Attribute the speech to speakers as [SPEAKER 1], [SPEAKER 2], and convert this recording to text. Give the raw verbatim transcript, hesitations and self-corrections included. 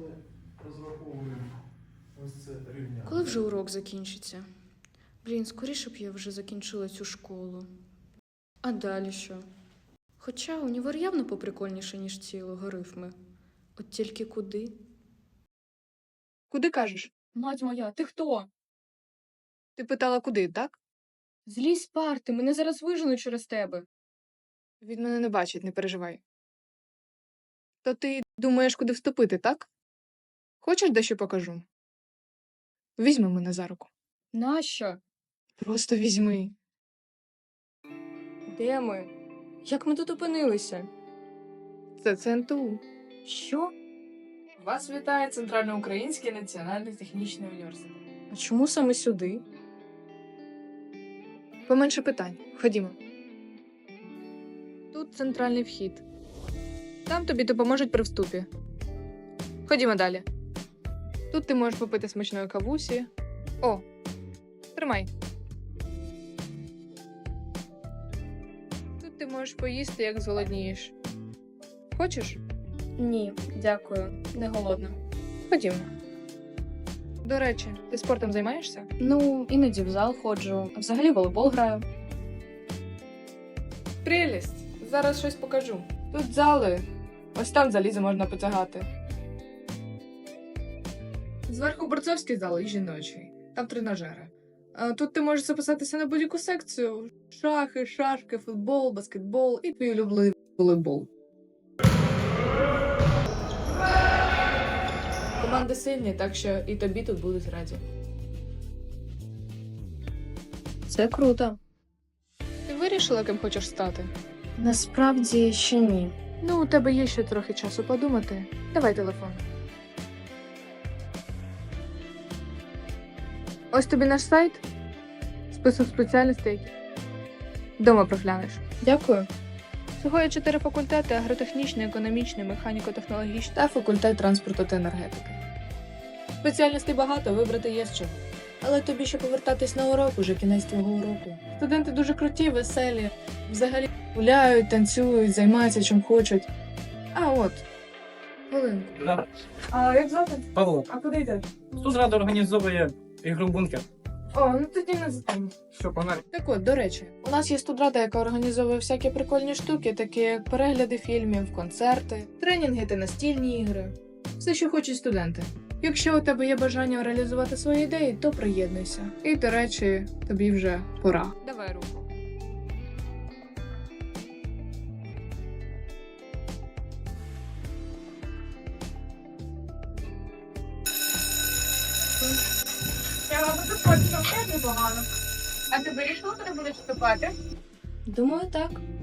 [SPEAKER 1] ми розраховуємо ось це рівняння.
[SPEAKER 2] Коли вже урок закінчиться? Блін, скоріше б я вже закінчила цю школу. А далі що? Хоча універ явно поприкольніше, ніж ці логарифми. От тільки куди?
[SPEAKER 3] Куди кажеш?
[SPEAKER 2] Мать моя, ти хто?
[SPEAKER 3] Ти питала, куди, так?
[SPEAKER 2] Злізь з парти, мене зараз виженуть через тебе.
[SPEAKER 3] Він мене не бачить, не переживай. То ти думаєш, куди вступити, так? Хочеш, дещо покажу? Візьми мене за руку.
[SPEAKER 2] Нащо?
[SPEAKER 3] Просто візьми.
[SPEAKER 2] Де ми? Як ми тут опинилися?
[SPEAKER 3] Це ЦНТУ.
[SPEAKER 2] Що?
[SPEAKER 4] Вас вітає Центральноукраїнський національний технічний університет.
[SPEAKER 2] А чому саме сюди?
[SPEAKER 3] Поменше питань. Ходімо. Тут центральний вхід. Там тобі допоможуть при вступі. Ходімо далі. Тут ти можеш попити смачної кавусі. О, тримай. Тут ти можеш поїсти, як зголоднієш. Хочеш?
[SPEAKER 2] Ні, дякую, не голодна.
[SPEAKER 3] Ходімо. До речі, ти спортом займаєшся?
[SPEAKER 2] Ну, іноді в зал ходжу, а взагалі волейбол граю.
[SPEAKER 4] Прелість! Зараз щось покажу. Тут зали. Ось там залізо можна потягати. Зверху борцовський зал і жіночий. Там тренажери. А тут ти можеш записатися на будь-яку секцію. Шахи, шашки, футбол, баскетбол і твій улюблений волейбол. Команди сильні, так що і тобі тут будуть раді.
[SPEAKER 2] Це круто.
[SPEAKER 3] Ти вирішила, ким хочеш стати?
[SPEAKER 2] Насправді ще ні.
[SPEAKER 3] Ну, у тебе є ще трохи часу подумати. Давай телефон. Ось тобі наш сайт. Список спеціальностей, які вдома проглянеш.
[SPEAKER 2] Дякую.
[SPEAKER 3] Всього є чотири факультети: агротехнічний, економічний, механіко-технологічний
[SPEAKER 4] Та факультет транспорту та енергетики. Спеціальностей багато, вибрати є з чого. Але тобі ще повертатись на урок, уже кінець твого уроку. Студенти дуже круті, веселі, взагалі гуляють, танцюють, займаються чим хочуть. А от, хвилинку.
[SPEAKER 5] Да.
[SPEAKER 4] А як звати?
[SPEAKER 5] Павло,
[SPEAKER 4] А куди йдеш?
[SPEAKER 5] Студрада організовує ігру бункер.
[SPEAKER 4] О, ну тоді не за тим.
[SPEAKER 5] Що, погнали?
[SPEAKER 4] Так от, до речі, у нас є студрада, яка організовує всякі прикольні штуки, такі як перегляди фільмів, концерти, тренінги та настільні ігри. Все, що хочуть студенти. Якщо у тебе є бажання реалізувати свої ідеї, то приєднуйся. І, до речі, тобі вже пора.
[SPEAKER 3] Давай руку.
[SPEAKER 4] Я вам тут хочу непогано. А ти вирішила, куди будеш вступати?
[SPEAKER 2] Думаю, так.